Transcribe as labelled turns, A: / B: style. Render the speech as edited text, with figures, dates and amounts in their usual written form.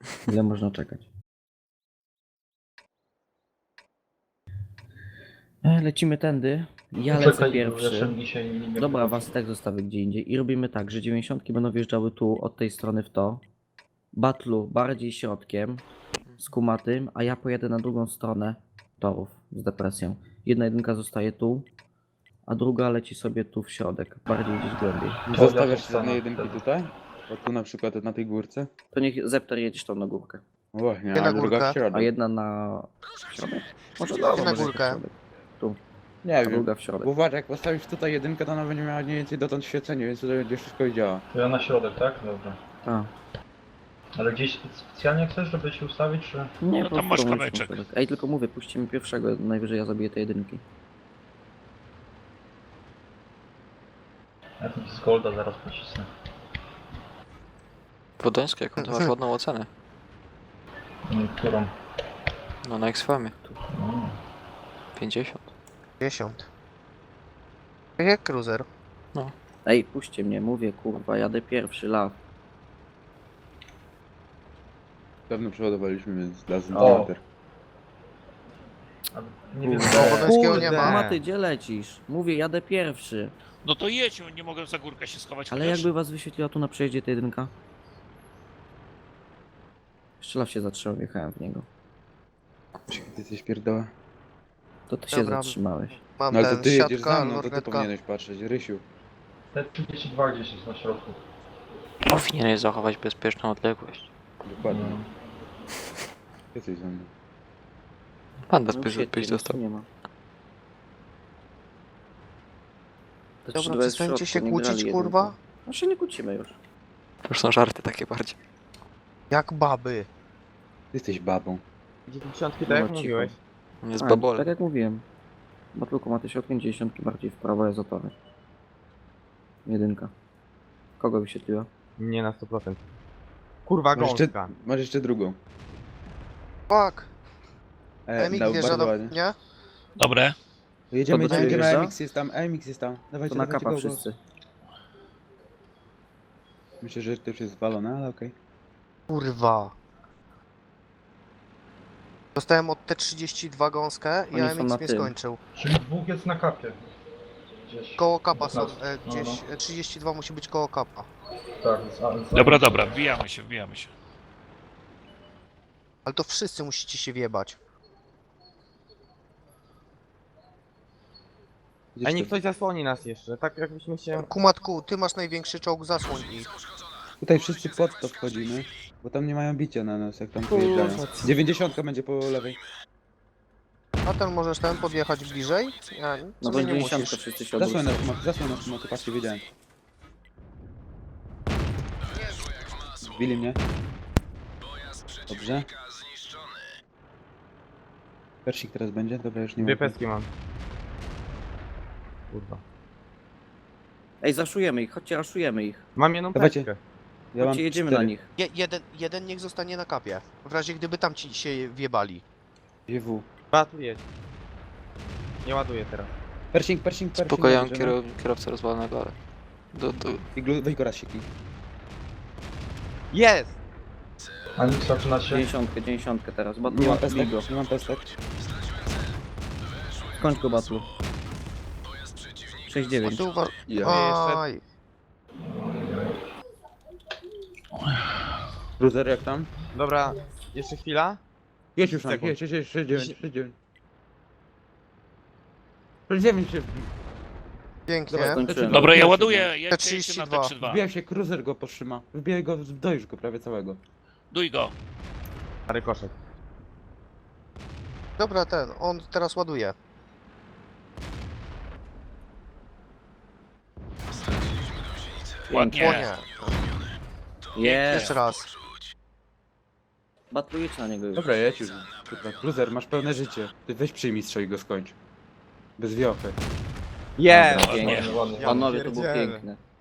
A: Ile można czekać? Lecimy tędy. Ja lecę
B: Czekaj,
A: pierwszy.
B: jeszcze dzisiaj nie
A: Dobra,
B: wchodzi.
A: was tak zostawię gdzie indziej. I robimy tak, że 90 będą wjeżdżały tu, od tej strony w to. Battlu bardziej środkiem, z kumatym, a ja pojadę na drugą stronę torów z depresją. Jedna jedynka zostaje tu, a druga leci sobie tu w środek, bardziej gdzieś głębiej.
C: Nie
B: To
C: zostawiasz
B: jaka
C: żadnej
B: scena
C: jedynki
B: wtedy?
C: tutaj? Bo tu na przykład na tej górce?
A: To niech Zepter jedziesz tam na górkę.
C: No właśnie,
D: Nie na
C: a druga
D: górkę.
C: w środek.
A: A jedna na środek? Może dobra,
D: na
A: może
D: górkę.
A: w środek. Tu,
C: Nie
A: a
C: wiem.
A: druga w środek.
C: Bo uważaj, jak postawisz tutaj jedynkę, to ona będzie miała mniej więcej dotąd świecenie, więc tutaj będzie wszystko działa.
B: To ja na środek, tak? Dobra.
A: A,
B: Ale gdzieś specjalnie chcesz, żeby się ustawić, czy...
A: nie,
E: No
A: po
E: tam
A: prostu
E: masz
A: mówię,
E: kamyczek.
A: środek. Ej, tylko mówię, puśćcie mi pierwszego, najwyżej ja zabiję te jedynki.
B: Ja tam z Golda zaraz pocisnę.
F: Podońska, jaką ty masz ładną ocenę.
B: Którą?
F: No na X-Famie.
B: No.
F: 50.
D: 10. Tak jak cruiser.
A: Ej, puśćcie mnie, mówię, kurwa, jadę pierwszy, law.
C: Dawno przeładowaliśmy, więc razem
B: O.
C: mater.
B: Ale nie wiem,
C: Kurde.
D: Podońskiego nie ma.
A: Maty, gdzie lecisz? Mówię, jadę pierwszy.
E: No to jedź, nie mogę za górkę się schować.
A: Ale
E: chociaż.
A: jakby was wyświetliła tu na przejeździe ta jedynka? Jeszcze law się zatrzymał, wjechałem w niego.
C: Czekaj, ty jesteś pierdoła.
A: To ty się
D: Dobra.
A: zatrzymałeś.
D: Mam
C: No ale to
D: ten
C: ty jedziesz
D: siatka,
C: za mną, to ty
D: lornetka.
C: powinieneś patrzeć, Rysiu.
B: te 32 gdzieś jest na środku.
F: Powinieneś zachować bezpieczną odległość.
C: Dokładnie.
B: No.
C: Jesteś za mną.
F: Panda
A: No
F: byś
A: świetnie, nic
F: został.
A: tu nie ma. Te
D: Dobra,
A: 3-2 jest w
D: przestańcie
A: środku,
D: się
A: nie
D: kłócić,
A: grali
D: kurwa.
A: jedynką. No się nie kłócimy już.
F: To już są żarty takie bardziej.
D: Jak baby.
C: Ty jesteś babą.
G: 90 tak
A: No,
G: jak
A: cicho.
G: mówiłeś.
F: On jest
A: A,
F: babolem.
A: tak jak mówiłem. Bo tylko ma te środkiem 90 bardziej w prawo jest otory. Jedynka. Kogo wyświetliła?
G: Nie na 100%. Kurwa
C: Masz jeszcze,
G: gąska.
C: masz jeszcze drugą.
D: Fuck.
C: No,
D: MX wjeżdża
C: bardzo
D: do...
C: ładnie.
D: Nie?
E: Dobre.
C: Jedziemy,
A: To do
C: jedziemy,
A: ciebie
C: jedziemy,
A: wjeżdża?
C: AMX jest tam, AMX jest tam. Dawajcie,
A: To na
C: dawajcie,
A: kapa
C: go, go.
A: wszyscy.
C: Myślę, że to już jest zwalone, ale okej.
D: Kurwa. Dostałem od T32 gąskę i
A: Oni są
D: AMX
A: na
D: mnie
A: tym.
D: skończył.
B: Czyli dwóch jest na kapie. Gdzieś.
D: Koło kapa są.
B: 15. No,
D: Gdzieś 32 musi być koło kapa.
B: Tak,
E: Dobra, dobra, wbijamy się, wbijamy się.
D: Ale to wszyscy musicie się wjebać.
G: A niech ktoś zasłoni nas jeszcze, tak jakbyśmy się...
D: Kumatku, ty masz największy czołg, zasłoń ich.
C: Tutaj wszyscy pod to wchodzimy, bo tam nie mają bicia na nas, jak tam pojeżdżają. 90 będzie po lewej.
D: A ten możesz ten podjechać bliżej? Ja,
A: No
D: sobie
A: bo
D: nie
A: 90
D: musisz.
A: wszyscy się
C: Zasłoń
A: odwrócą.
C: na sumoty, patrzcie, wiedziałem. Zbili mnie. Dobrze. Persik teraz będzie? Dobra, już nie
G: Dwie
C: ma.
G: peski mam. Kurwa.
A: Ej, zaszujemy ich, chodźcie, raszujemy ich.
G: Mam jedną
C: Dawajcie.
G: peskę.
C: Ja mam
A: Chodźcie, jedziemy
C: 4.
A: na nich.
D: Jeden niech zostanie na kapie. W razie gdyby tam ci się wjebali.
C: GW.
G: Dwa tu jedź. Nie ładuję teraz.
C: Persik.
F: Spokojnie,
C: dobrze,
F: kierowcę rozwalonego, ale...
C: Weź go raz sieki.
G: Jest!
B: A nic zaczyna się.
A: 90 teraz.
C: Nie mam
A: Batlu,
C: pestek,
A: go.
C: nie mam pestek.
A: Skończ go, Batlu. 6-9.
D: Tu uwa-
C: Ja.
D: Aj.
C: Cruiser jak tam?
G: Dobra, jeszcze chwila.
C: Jedź już,
G: Sekund.
C: jedź, 69. 69 się
D: Pięknie.
C: Dobra,
A: Skończyłem.
E: Dobra, ja
C: Wbijaj się,
E: ładuję, jedźcie na
D: 32.
E: T32.
C: Wbijał się, cruiser go potrzyma. Wbijaj go, dojdź go prawie całego.
E: Duj go.
G: Stary koszek.
D: Dobra, on teraz ładuje.
E: Ładnie.
D: Płonie.
A: Jest.
D: Jeszcze raz.
A: Batlu, jedź na niego już.
C: Dobra, jedź już. Kurwa, cruiser, masz pełne życie. Ty weź przyjmij strzał i go skończ. Bez wiochy.
G: Jest!
A: Pięknie.
B: Ładnie, ładnie.
A: Panowie, to było
G: pierdzielę.
A: piękne.